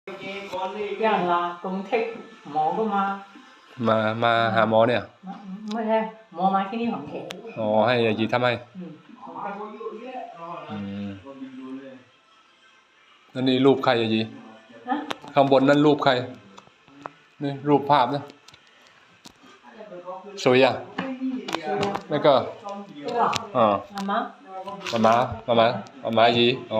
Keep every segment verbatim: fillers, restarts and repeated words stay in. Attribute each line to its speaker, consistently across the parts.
Speaker 1: ย่างลาตรงเทคหมอก็มา
Speaker 2: มามาหาหมอเนี่ย
Speaker 1: ไม่ใช่หมอมาที่นี่ของเขต
Speaker 2: อ๋อให้ยายีทำให้อืมนั่นนี่รูปใครยายีข้างบนนั่นรูปใครนี่รูปภาพนะสวยอ่ะไม่ก็อ๋อมามามามามามายีอ๋อ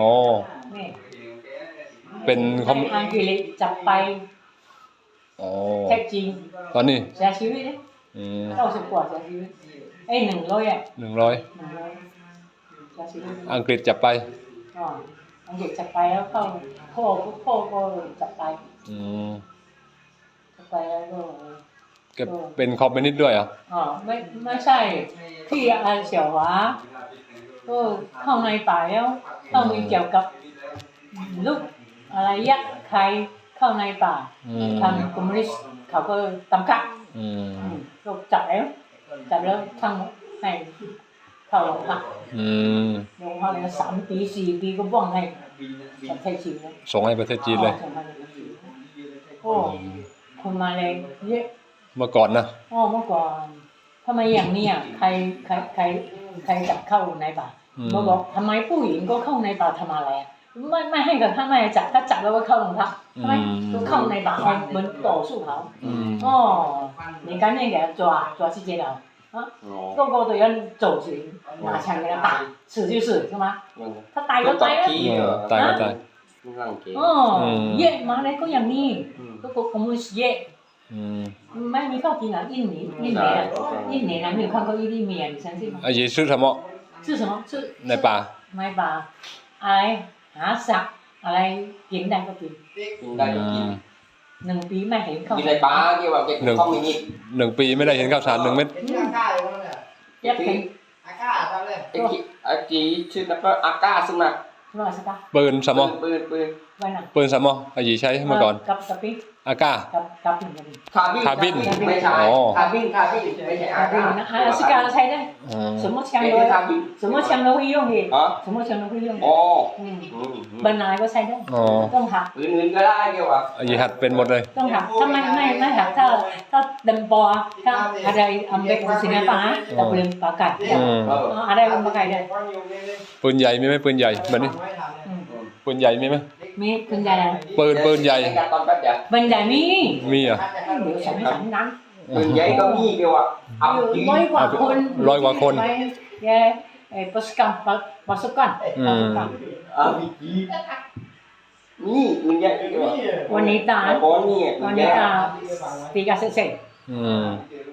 Speaker 2: เป็นคอม
Speaker 1: อังกฤษจับไปแท็กจริง
Speaker 2: ตอนนี้
Speaker 1: เสียชีวิตเก้าสิบกว่าเสียชีวิตเอ้ยหนึ่งร้อยอ่ะ
Speaker 2: หนึ่งร้อยอังกฤษจับไป
Speaker 1: อ๋ออังกฤษจับไปแล้วเข้าพ่อพ่อก็จับไป
Speaker 2: อืม
Speaker 1: จับไปแล้วก็
Speaker 2: ก็เป็นคอมมิวนิสต์ด้วยเหรอ
Speaker 1: อ๋อไม่ไม่ใช่ที่อาเสี่ยวหวาก็เข้าในป่าแล้วต้องมีเกี่ยวกับลูกอะไรยักษ์ใครเข้าในป่าทำคอมมิวนิสต์เขาก็ตำกักก็จับแล้วจับแล้วทั้งให้เข้าโรงพักโรงพักเลยสามปีสี่ปีก็บ้องให้ประเทศจีนเลย
Speaker 2: ส่งให้ประเทศจีนเลย
Speaker 1: โอ้คนมาเลยเยอะ
Speaker 2: เมื่อก่อนนะ
Speaker 1: อ๋อเมื่อก่อนทำไมอย่างนี้อ่ะใครใครใครใครจับเข้าในป่ามาบอกทำไมผู้หญิงก็เข้าในป่าทำอะไรไม่ไม่ให้กับถ้าไม่จับถ้าจับแล้วก็เข้าโรงพักใช่ไหมก็เข้าในป่าเหมือนต่อสู้เขาอ๋อ你赶紧给他抓抓去监牢啊个个都要走刑拿枪给他打死就是是吗他ตายก็ตายแล้ว
Speaker 2: ตายก็ตาย
Speaker 1: อ๋อเย่มาเลยก็อย่างนี้ก็ก็คงไม่เย่ไม่มีข้าวกินอ่ะ印尼印尼啊印尼啊没有看过伊犁面你相信吗
Speaker 2: 啊也是什么
Speaker 1: 是什么是
Speaker 2: ในป่า
Speaker 1: ในป่าอะไรหาสักอะไรกินได้ก็กิน
Speaker 3: ได้ก็กิน
Speaker 1: หนึ่งปีไม่เห็นข้าว
Speaker 3: กินในป่าเกี่ยวกับเก็บข้าวมีนิด
Speaker 2: หนึ่งปีไม่ได้เห็นข้าวสารหนึ่งเม็ด
Speaker 1: เย็บถึง
Speaker 3: อาก้าทำเลยไอ้กี่ไอ้กี่ชื่อนับว่าอาก้าซึ่งมา
Speaker 2: ปืนสมอ
Speaker 3: ปืนปืน
Speaker 2: ปืนสมออายีใช้เมื่อก่อน
Speaker 1: กับกับปี
Speaker 2: อาก้า
Speaker 1: กับ
Speaker 3: คาบิน
Speaker 2: คาบิน
Speaker 3: ไม่ใช่คาบินคาบินไม่ใช่อาก้า
Speaker 1: นะอาสการใช้ได้什么枪都什么枪都会用的什么枪都会用
Speaker 3: อ๋อ
Speaker 1: บรรณาก็ใช้ได้ต้องหัก
Speaker 3: ปืนอื่นก็ได้เกี่ยวกับ
Speaker 2: อายีหัดเป็นหมดเลย
Speaker 1: ต้องหักถ้าไม่ไม่ไม่หักถ้าถ้าดันปอถ้าอะไรอเมริกันสินะป้าแต่ปืนปากไก่อะไรปืนปากไก่ได้
Speaker 2: ปืนใหญ่มีไหมปืนใหญ่แบบนี้ปืนใหญ่มีไหม
Speaker 1: มีปืนใหญ่
Speaker 2: ปืนปืนใหญ่
Speaker 1: ปืนใหญ่มี
Speaker 2: มีอ่ะ
Speaker 1: เดี๋ยวฉันฉันนั้น
Speaker 3: ปืนใหญ่ก็มีเกี่ยวกับ
Speaker 1: เอาร้อยกว่าคน
Speaker 2: ร้อยกว่าคน
Speaker 1: แกไอ้ปัสกันปัสกันปัสกัน
Speaker 3: อ่ามีกี่นี่ปืนใหญ่เกี่ยวกับ
Speaker 1: วันนี้ตาวันนี้ตาตีกันเสร็จ
Speaker 2: อืม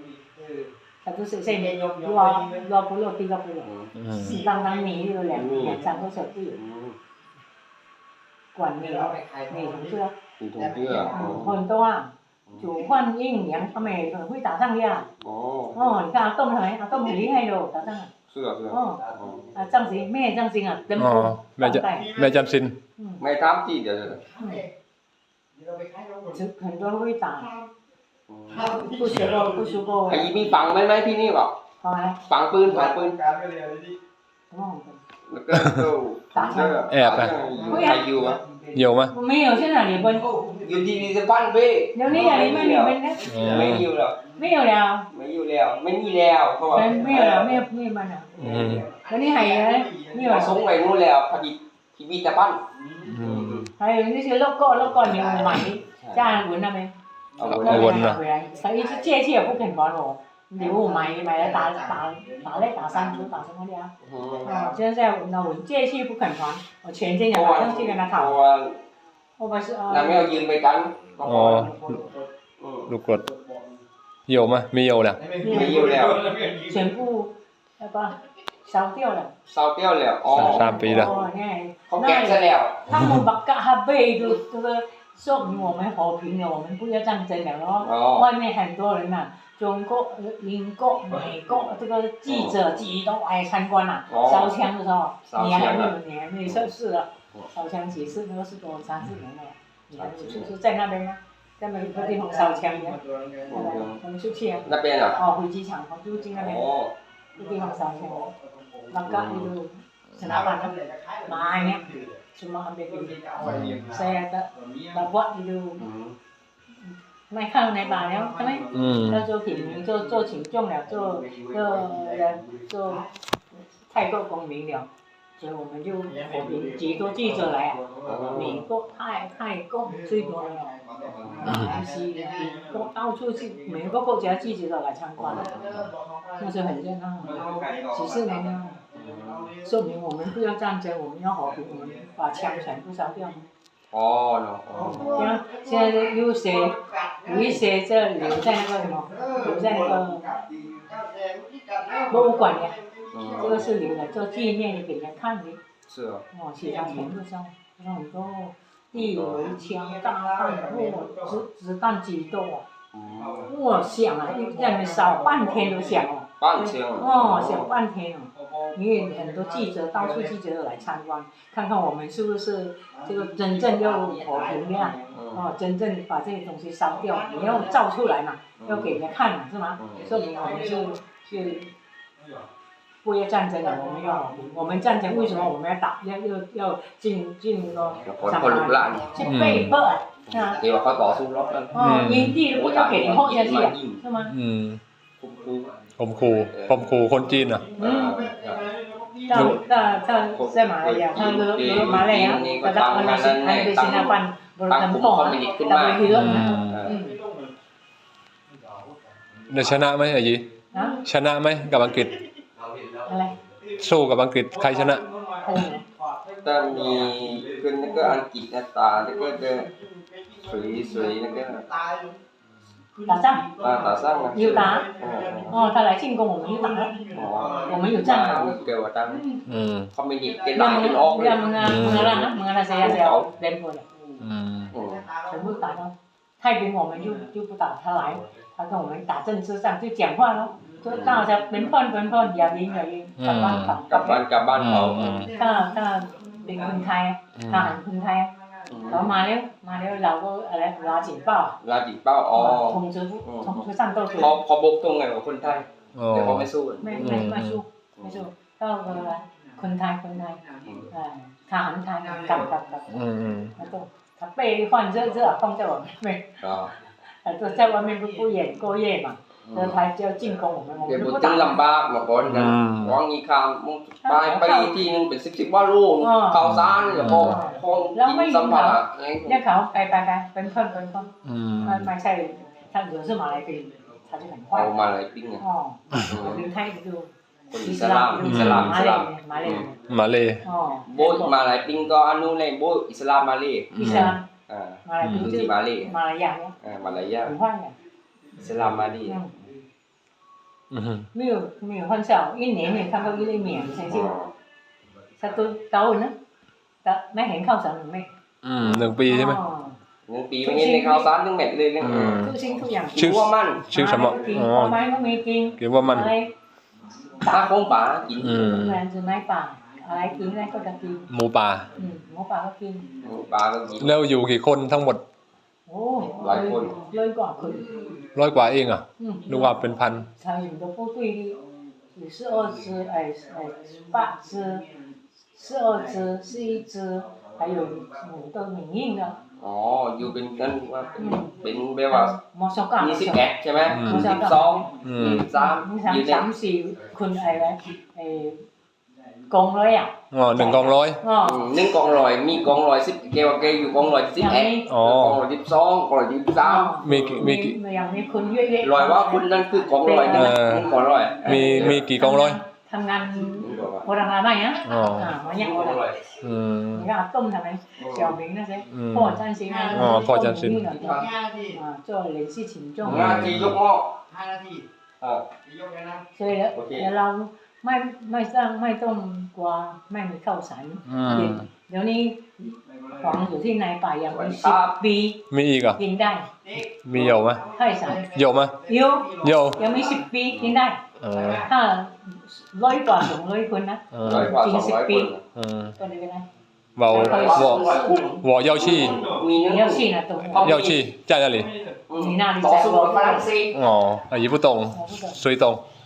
Speaker 1: satu selesai dua dua puluh tiga puluh tang tang mì rồi lẻ lẻ chẳng có sợ gì quản mì mì thùng chưa hồn to chủ quan yên nhắn cho mày rồi huy tả răng đi à ồ你看啊ต้มทำไม啊ต้ม很厉害的打仗啊
Speaker 3: 是啊是啊
Speaker 1: 啊张行แม่张行啊เต็มโพ
Speaker 2: แม่จะแม่จำสิน
Speaker 3: ไม่ทำจีเดี๋ยว
Speaker 1: 很多会打不学过不学过
Speaker 3: ไอ้มีฝังไหมไหมที่นี่บอก
Speaker 1: ฝังอะไร
Speaker 3: ฝังปืนฝังปืนแล้วก็
Speaker 2: แอบอ่ะ
Speaker 3: ใครอยู่วะ
Speaker 2: อยู่มั้ย
Speaker 1: ไม่อยู่ที่ไหนเลยบน
Speaker 3: อยู่ที่นี่จะปั้นเบ้
Speaker 1: เดี๋ยวนี้อย่างนี้ไม่มีเป็นนะ
Speaker 3: ไม่อยู่แล้ว
Speaker 1: ไม่อยู่แล้ว
Speaker 3: ไม่อยู่แล้วไม่มีแล้วเขาบอก
Speaker 1: ไม่อยู่แล้วไม่ไม่มันอ่ะแล้วนี่ไงนี่ว่า
Speaker 3: สงไว้นู่นแล้วพอดีที่มีแต่ปั้น
Speaker 1: ไอ้นี่คือโลโก้โลโก้นี่มันใหม่จ้าเหมือนนั่นไหม
Speaker 2: เอาวนนะ
Speaker 1: 所以借借也不肯还我，礼物买买来打打打来打三就打什么的啊？哦，现在那我借去不肯还，我全金也马上去跟他讨。我不是啊。
Speaker 3: 那没有ยืนไปกัน
Speaker 2: อ๋อลูกกรดเหี่ยวมั้ยมีเหี่ยวแล้ว
Speaker 3: มีเหี่ยวแล้ว
Speaker 1: 全部要不烧掉了
Speaker 3: 烧掉แล้วอ๋อ
Speaker 2: สามปีแล้ว
Speaker 3: เขาแกะซะแล้ว
Speaker 1: 他们把嘎哈贝都这个说明我们和平了，我们不要战争了咯。外面很多人呐，中国、英国、美国这个记者级都来参观了。烧枪的时候，你还没有，你还没有测试了。烧枪几次都是多三四年了，你还没有就是在那边吗？在那个地方烧枪的，我们出去啊。
Speaker 3: 那边啊？
Speaker 1: 哦，飞机场，我就进那边。那地方烧枪，那个一路。 senapan banyak cuma ambil ini saya tak tak buat itu ไม่เข้าในป่าแล้วใช่ไหม
Speaker 2: อืม
Speaker 1: เรา做品做做群众了做做人做太过公民了所以我们就我们几多记者来啊美国泰泰国最多了西国到处去每个国家记者都来参观那就很热闹几十年了说明我们不要战争我们要和平我们把枪全部烧掉
Speaker 3: 哦喏哦
Speaker 1: 像现在有些有一些这留在那个什么留在那个博物馆的这个是留的做纪念的给人家看的
Speaker 3: 是哦
Speaker 1: 哦其他全部烧很多地围枪大弹哇子子弹几多啊哇响啊一在那边烧半天都响哦
Speaker 3: 半天
Speaker 1: 哦响半天哦因为很多记者到处记者都来参观看看我们是不是这个真正要和平的哦真正把这些东西烧掉你要照出来嘛要给人家看嘛是吗说明我们是是不要战争了我们要和平我们战争为什么我们要打要要要进进那个上海去被迫啊
Speaker 3: thì mà phải bỏ xuống lót lên
Speaker 1: 哦营地不要给你轰下去啊是吗
Speaker 2: อืมผมขู่ผมขู่คนจีนอ่ะ
Speaker 1: 嗯到到到在马来亚他如如马来亚他到马来西亚ไปสิงคโปร์บริการพ่อแต่ไปเยอะนะ
Speaker 2: เดี๋ยวชนะไหมอายี
Speaker 1: ฮะ
Speaker 2: ชนะไหมกับอังกฤษ
Speaker 1: อะไร
Speaker 2: สู้กับอังกฤษใครชนะ
Speaker 1: อะไร
Speaker 3: taมีขึ้นแล้วก็อังกฤษนะตาแล้วก็จะสวยสวยแล้วก็
Speaker 1: 打仗
Speaker 3: ตาตาสร้างนะ
Speaker 1: 有打哦他来进攻我们就打了
Speaker 3: อ๋อ
Speaker 1: 我们有战壕
Speaker 3: เกี่ยวกับตัง
Speaker 2: อืม
Speaker 3: เขาไม่ดิบเกล้าเป็นออกเลย
Speaker 1: 要 mengarah mengarah saya saya 连破了
Speaker 2: อืม
Speaker 1: 全部打到太平我们就就不打他来他跟我们打政治上就讲话咯就到จะเป็นพ่นเป็นพ่นอย่ายิงอย่ายิงกลับบ้านกลับ
Speaker 3: กลับบ้านกลับบ้านเขา
Speaker 1: ถ้าถ้าเป็นคนไทยทหารคนไทยเขามาแล้วมาแล้วเราก็อะไรลาจิ๋งเป้า
Speaker 3: ลาจิเป้าอ๋อ
Speaker 1: ทงจื้อทงจื้อสั่นโต้คือ
Speaker 3: เขาเขาบกตรงไงกับคนไทย
Speaker 2: อ๋อ
Speaker 3: แต่เขาไม่สู้
Speaker 1: ไม่ไม่ไม่สู้ไม่สู้ก็คนไทยคนไทยทหารไทยกลับกลับกลับ
Speaker 2: อืมอืม
Speaker 1: แล้วก็ถ้าเป้ที่ฟันเจอเจอ放在我们没
Speaker 3: อ๋อ
Speaker 1: แต่ตัว在外面不不演过夜嘛เจอไทยเจอ进攻我们我
Speaker 3: เดี๋ยว
Speaker 1: 们
Speaker 3: บุ
Speaker 1: 不
Speaker 3: ตร
Speaker 1: 打
Speaker 3: ลำบากมาก่อนกันวางอีคามมึงไปไปทีนึงเป็นสิบสิบว่าลูกข่าวสารแล้วก็ห้องกินสัมภาระ
Speaker 1: เรียกเขาไปไปไปเป็นเพื่อนเป็นเพื่อน
Speaker 2: อืม
Speaker 1: ไม่ไม่ใช่ถ้าเหลือ是马来人他就很坏
Speaker 3: เอามาอะไรปิ้งเนี่ย
Speaker 1: อ๋อเป็นไทยดู
Speaker 3: คนอิสลามอิสลามอิ
Speaker 1: มา
Speaker 3: ส
Speaker 1: เล
Speaker 3: ลาม
Speaker 1: มาเล
Speaker 2: มาเลย
Speaker 1: อ๋อ
Speaker 3: โบยมาอะไรปิ้งก็อนุเลยโบยอิสลามมาเลย
Speaker 1: อิสลาม
Speaker 3: อ่า
Speaker 1: มาเล
Speaker 3: คือ
Speaker 1: ชื่อ
Speaker 3: ที่มาเลย
Speaker 1: มาลายาเนี่ย
Speaker 3: อ่ามาลายา
Speaker 1: 很坏的
Speaker 3: อิสลามมาเลย
Speaker 2: อืม
Speaker 1: 没有没有很少一年没看到一粒棉成绩ถ้าตัวเก่านะแต่ไม่เห็นข้าวสารหรือไม่
Speaker 2: อืมหนึ่งปีใช่ไหม
Speaker 3: หนึ่งปีไม่เห็นในข่าวสารเรื่องแมทเลยเรื่อง
Speaker 2: อืม
Speaker 1: ทุกสิ่งทุกอย่าง
Speaker 2: ชื่อ
Speaker 3: ว่ามัน
Speaker 2: ชื่อสมออ๋อ
Speaker 1: ไม้ก็มีกิน
Speaker 2: เกี่ยวว่ามัน
Speaker 1: อะไร
Speaker 3: ตาคงป่ากิน
Speaker 2: อืม
Speaker 1: แรงจะไม้ป่าอะไรกินอะไรก็จะกิน
Speaker 2: หมูป่า
Speaker 1: อืมหมูป่าก็กิน
Speaker 3: ป่าก็กิน
Speaker 2: แล้วอยู่กี่คนทั้งหมด
Speaker 1: โอ้
Speaker 3: หลายคน
Speaker 1: เลยกว่าคน
Speaker 2: ร้อยกว่าเองอ่ะ
Speaker 1: อืม
Speaker 2: นึกว่าเป็นพัน
Speaker 1: 参与的部队有十二只，哎哎八只，十二只是一只，还有五个民营的。
Speaker 3: อ๋ออยู่เป็นกันว่าเป็นเป็นแบบว่า
Speaker 1: มอสกา
Speaker 3: ยี่สิบเอ็ดใช่ไหม
Speaker 2: อืม
Speaker 3: ยี่สิบสอง
Speaker 2: อืม
Speaker 3: ยี่สิบสาม
Speaker 1: มีสาม
Speaker 3: อยู่ใน
Speaker 1: สามสี่คนอะไรไอ้กองเลยอ่ะ
Speaker 2: อ๋อหนึ่งกองร้อย
Speaker 1: อ๋อ
Speaker 3: อืมหนึ่งกองร้อยมีกองร้อยสิบเกวเกอยู่กองร้อยสิบเอ็ด
Speaker 2: อ๋อก
Speaker 3: องร้อยสิบสองกองร้อยสิบสาม
Speaker 2: มีกี่มีกี่
Speaker 1: อย่างมีคนเยอะๆ
Speaker 3: ร้อยว่าคุณนั่นคือกองร้อยนั่น
Speaker 2: เออ
Speaker 3: นั่นกองร้อย
Speaker 2: มีมีกี่กองร้อย
Speaker 1: ทำงานโบราณอะไรอ่ะ
Speaker 2: อ๋อ
Speaker 1: อ่ามาอย่าง
Speaker 3: ก
Speaker 1: โบ
Speaker 3: อง
Speaker 1: ราณ
Speaker 3: ร้อย
Speaker 2: อืม
Speaker 1: 你看ต้มทำไม小明那些
Speaker 2: อืม
Speaker 1: พ่อจันทร์สิงห์
Speaker 2: อ๋อพ่อจันทร์สิงห์
Speaker 1: อ่า做联系群众
Speaker 3: งานที่ยกหม้อ
Speaker 4: ห้านาที
Speaker 3: อ่า
Speaker 4: ยกเลยนะ
Speaker 1: 所以แล้ว
Speaker 3: โอเค
Speaker 1: แล้วเราไม่ไม่สร้างไม่ต้มกว่าไม่มีข้าวสาร
Speaker 2: อืม
Speaker 1: เดี๋ยวนี้ของอยู่ที่ในป่ายังมีสิบปี
Speaker 2: มีอีกอ่ะ
Speaker 1: กินได้
Speaker 2: มีเยอะไหม
Speaker 1: ข้าวสาร
Speaker 2: เยอะไหม
Speaker 1: เยอะ
Speaker 2: เยอะ
Speaker 1: ยังมีสิบปีกินได้
Speaker 2: เออ
Speaker 1: ถ้าร้อยกว่าสองร้อยคนนะ
Speaker 2: เออ
Speaker 3: ร้อยกว่าสองร้อยคน
Speaker 2: เออ
Speaker 1: ก็เลยเป็นไร
Speaker 2: เบา我我要去
Speaker 3: มีนึง
Speaker 1: 你要去哪懂
Speaker 2: 要去在那里
Speaker 1: 你那里
Speaker 3: ต่อ
Speaker 1: 在
Speaker 3: สู้
Speaker 1: 我
Speaker 3: กับฝรั่งเศส
Speaker 2: อ๋ออายี不懂
Speaker 1: 我不懂
Speaker 2: 谁懂
Speaker 3: ช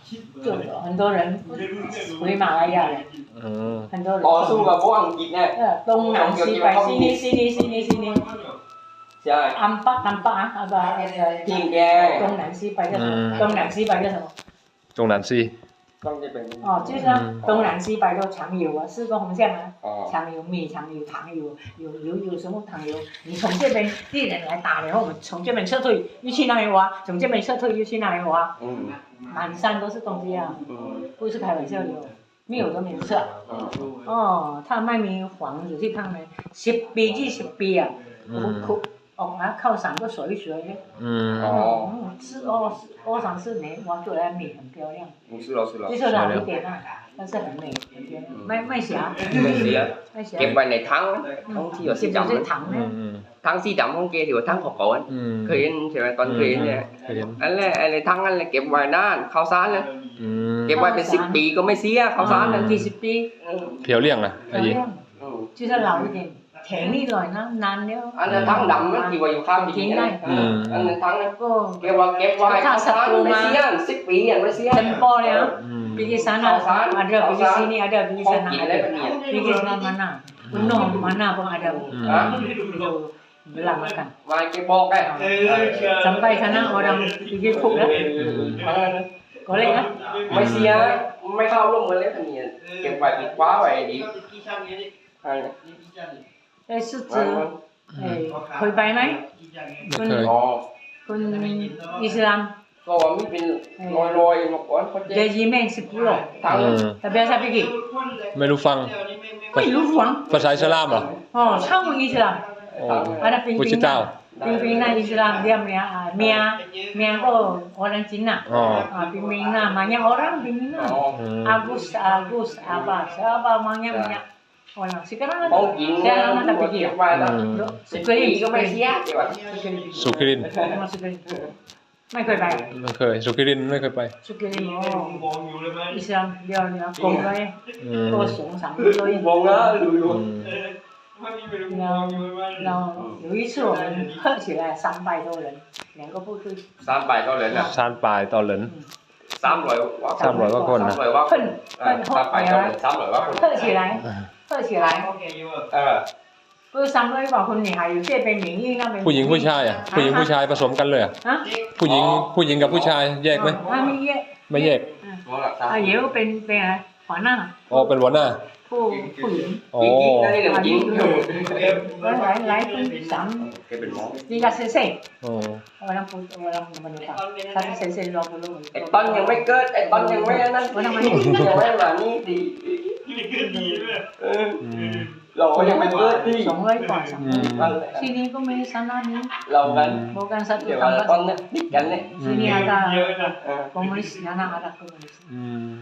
Speaker 1: 就很多人回马来亚的，
Speaker 2: อืม
Speaker 1: 很多人
Speaker 3: ต่อสู้กับพวกอังกฤษเนี่ย
Speaker 1: 呃东南西北西尼西尼西尼西尼
Speaker 3: ใช่
Speaker 1: 安巴安巴啊不那个
Speaker 3: พิงแก
Speaker 1: 东南西北叫什么？东南西北叫什么？
Speaker 2: ตรงนั้นสิ
Speaker 3: ต้องจะเป็น
Speaker 1: 哦，就是啊东南西北都常有啊，四个方向啊。
Speaker 3: อ๋อ
Speaker 1: 常有米，常有糖，有有有有什么糖油？你从这边敌人来打，然后我们从这边撤退，又去那边挖；从这边撤退，又去那边挖。
Speaker 3: อืม
Speaker 1: 满山都是东西啊，
Speaker 3: อืม
Speaker 1: 不是开玩笑的哦，没有都没有吃啊。
Speaker 3: อืม
Speaker 1: 哦，他卖米黄有去看没？十ปียี่สิบปี啊，苦苦ออกมาเข้าสารก็สวยๆเลย
Speaker 2: อืม
Speaker 3: อ๋อ
Speaker 1: 嗯，吃二二三四年挖出来米很漂亮，
Speaker 3: มึงซื้อเราซื้อเรา
Speaker 1: 就是老一点啊，但是很美很漂亮，卖卖霞，
Speaker 3: ไม่เสีย
Speaker 1: 卖霞，
Speaker 3: เก็บไว้ในถังถังที่อยู่สี
Speaker 1: 就
Speaker 3: ดำ
Speaker 1: 是糖
Speaker 2: อื
Speaker 1: 呢
Speaker 2: ม，อืม
Speaker 3: ถังสีดำของแกที่ว่าถังของเขา
Speaker 2: อืม
Speaker 3: เคยเห็นใช่ไหมตอนเคยเห็นเนี่ย
Speaker 2: เคยเห็น
Speaker 3: อันแรกอะไรถังนั่นแหละเก็บไว้นานข้าวสารนะ
Speaker 2: อืม
Speaker 3: เก็บไว้เป็นสิบปีก็ไม่เสียข้าวสารนั่น
Speaker 1: 几十ปี
Speaker 2: เพียวเลี่ยงนะไอ้
Speaker 1: 漂
Speaker 2: ยี่
Speaker 1: 亮，
Speaker 3: อืม
Speaker 1: 就是老一点，甜一点呢，难了，
Speaker 3: อันนั้นถังดำนั่นที่ว่าอยู่ข้างที่นี่อันนั้นถังนั้น
Speaker 1: ก็
Speaker 3: เก็บไว้เก็บไว้ข้าวสารไม่เสียสิบปีอ่ะไม่เสีย
Speaker 1: 真包了。
Speaker 2: อืม
Speaker 1: Pergi sana, ada pergi sini, ada pergi sana, ada. Pergi sana mana? Gunung mana pun ada. Itu belah makan.
Speaker 3: มาเก็บบอกไง
Speaker 1: Sampai sana orang pergi cook lah. Golek lah.
Speaker 3: ไม่เสียไม่เข้าร่วมกันเลยท่านเนี่ยเก็บไว้ปิดคว้าไว้ดี
Speaker 1: Eh, 狮子，哎，เคยไปไหม
Speaker 2: ไม่เคย
Speaker 3: อ๋อ
Speaker 1: คุณอิสลาม
Speaker 3: ก็ว่ามีเป็นลอยๆนกอ้อนเขา
Speaker 1: เด
Speaker 3: เจ๊
Speaker 1: จิเมนสิบกิโล
Speaker 3: ถัง
Speaker 2: อืม
Speaker 1: แต่เบียร์ซาปิกิ
Speaker 2: ไม่รู้ฟัง
Speaker 1: ไม่รู้หวัง
Speaker 2: ภาษาอิสลามเหรอ
Speaker 1: อ๋อช่างอิสลาม
Speaker 2: โอ้
Speaker 1: ada ปิง
Speaker 2: พุท
Speaker 1: ปิ
Speaker 2: ธ
Speaker 1: ง
Speaker 2: เจ้า
Speaker 1: ปิงปิงนะอิสลามdia Mia Mia Miaก็ orang Cina
Speaker 2: อ๋อ
Speaker 1: ah pimpin banyak orang pimpin
Speaker 3: อ๋อ
Speaker 2: อืม
Speaker 1: Agus Agus apa siapa banyak banyak orang sekarang
Speaker 3: ขอ
Speaker 1: ada
Speaker 3: งกิน
Speaker 1: saya lama
Speaker 3: ก็
Speaker 1: tak
Speaker 3: เก็
Speaker 1: pergi
Speaker 3: บไว้แล้ว
Speaker 2: อืม
Speaker 3: สิบปีก็ไม่เสียเก็บไว้
Speaker 2: สุขิริน
Speaker 1: Memang Sukirin ไม่เคยไป
Speaker 2: ไม่เคย สุขิรินไม่เคยไป
Speaker 1: Sukirin oh Islam dia dia กงเลย
Speaker 2: อืม
Speaker 1: ตัวสูงสาม米多一
Speaker 3: มองนะดูดู
Speaker 2: อืม
Speaker 1: 然后然后有一次我们喝起来三百多人两个部队
Speaker 3: สามใบเท่าไหร่นะ
Speaker 2: ซานปลายตอนเหลิน
Speaker 3: สามร้อยว่า
Speaker 2: สามร้อยกว่าคนนะ
Speaker 3: สามร้อยว่าคน
Speaker 1: 喷
Speaker 3: อ่า
Speaker 1: 喷
Speaker 3: สามใบ
Speaker 1: 后
Speaker 3: เท่าไหร่
Speaker 1: 来
Speaker 3: สามร้อยว่าคน
Speaker 1: 喝起来喝起来
Speaker 3: เออ
Speaker 1: 不是三百多คน你还有这边民意那边
Speaker 2: ผู้หญิงผู้ชายอ่ะ ผู้หญิงผู้ชายผสมกันเลยอ่ะ
Speaker 1: 啊
Speaker 2: ผู้หญิงผู้หญิงกับผู้ชายแยกไหม
Speaker 1: 啊ไม่แยก
Speaker 2: ไม่แยก
Speaker 3: มองหลักฐาน
Speaker 1: อ่าเดี๋ยวเป็นเป็นอะไรหัวหน้า
Speaker 2: อ๋อ เป็นหัวหน้า
Speaker 1: ผู้ผู้หญิง
Speaker 2: อ๋อ
Speaker 3: กิ๊กๆนั่นนี่เรื่องจริง
Speaker 1: แล้วหลายหลายคนสาม
Speaker 3: แกเป็นหมอ
Speaker 1: นี่ก็เซ่เซ่
Speaker 2: อ๋อ
Speaker 1: orang pun orang Manilaถ้าเซ่เซ่รอรู้
Speaker 3: ไอ้ต้นยังไม่เกิดไอ้ต้นยังไม่นั่นยังไม่มานี่ดีเออ
Speaker 2: อืม
Speaker 3: เราก็ยังไม่เกิดดี
Speaker 1: สองร้อยกว่าสาม
Speaker 2: อืม
Speaker 1: ที่นี่ก็มีสานานี้
Speaker 3: เรากัน
Speaker 1: bukan satu
Speaker 3: เดี๋ยวว่าต้นเนี่ยติดกันเนี่ย
Speaker 1: sini ada
Speaker 3: เออ
Speaker 1: komunis sana ada komunis
Speaker 2: อืม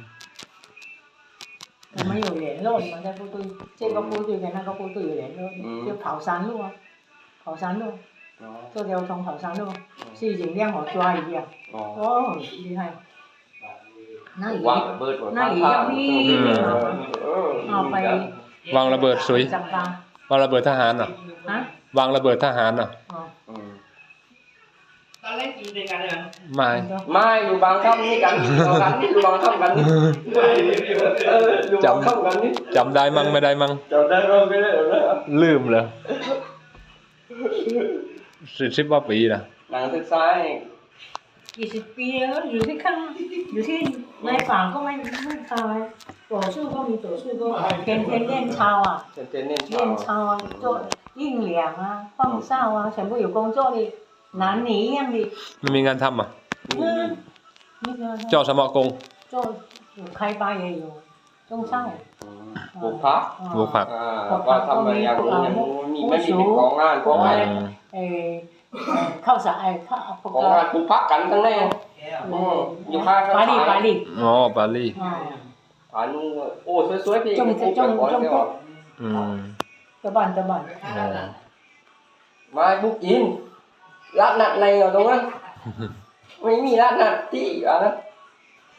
Speaker 1: 我们有联络，你们在部队，这个部队跟那个部队有联络，就跑山路啊，跑山路，做交通跑山路，是已经让我抓一样，
Speaker 3: อ๋อ
Speaker 1: 哦，厉害。那姨
Speaker 3: วางระเบิดไว้
Speaker 1: 那
Speaker 3: ข้าง
Speaker 1: 姨
Speaker 3: ทาง
Speaker 1: 要你
Speaker 3: เออ
Speaker 1: เอาไป
Speaker 2: วางระเบิดสวย
Speaker 1: จับปลาว
Speaker 2: างระเบิดทหารเหรอ
Speaker 1: ฮะ
Speaker 2: วางระเบิดทหารเหรอ
Speaker 1: อ๋อ
Speaker 3: อืม
Speaker 2: ไม่
Speaker 3: ไม่อยู่บางค่ำนี่กันอยู่บางค่ำนี่อยู่บางค่ำกันนี่เอออยู่บางค่ำกันนี่
Speaker 2: จำได้มั่งไม่ได้มั่ง
Speaker 3: จำได้ก็ไม่ได้แล้ว
Speaker 2: ลืมเลยสิบสิบกว่าปีนะ
Speaker 3: หนังศึกษาเอง
Speaker 1: กี่สิบปีแล้วอยู่ที่ข้างอยู่ที่ในป่าก็ไม่ไม่ตายต่อสู้ก็มีต่อสู้ก็เทนเทนเล่นชาวอ่ะ
Speaker 3: เจนเจนเน้น
Speaker 1: 练操啊，做硬两啊，放哨啊，全部有工作的，男女一样的。
Speaker 2: ไม่มีงานทำอ่ะ
Speaker 1: 嗯，那个
Speaker 2: เจาะสมอกง
Speaker 1: 做有开发也有种菜，
Speaker 3: ปลูกพัก
Speaker 2: ปลูกผัก
Speaker 3: อ่าว่าทำอะไรอย่างนู้นอย่างนู้นมีไม่มีเป็นของงานของ
Speaker 2: อื
Speaker 3: อะไร
Speaker 2: ม
Speaker 1: 诶，靠啥？哎，靠那
Speaker 3: ของงาน
Speaker 1: 个
Speaker 3: ปลูกพักกันทั้งนั้นอืมอยู่ข้างข้าง
Speaker 1: 巴黎巴黎，
Speaker 2: อ๋อปารีส
Speaker 1: 啊，
Speaker 3: อันโอ้สวยๆพี่
Speaker 1: จง
Speaker 3: ปลูก
Speaker 1: จ
Speaker 3: ไป
Speaker 1: ง
Speaker 3: ก่อน
Speaker 1: จง
Speaker 3: เดี๋ยว
Speaker 2: อืม
Speaker 1: ตะบันตะบัน
Speaker 2: อ๋อ
Speaker 3: มาบุกกินร้านนัดอะไรอยู่ตรงนั้นไม่มีร้านนัดที่อ่ะนะ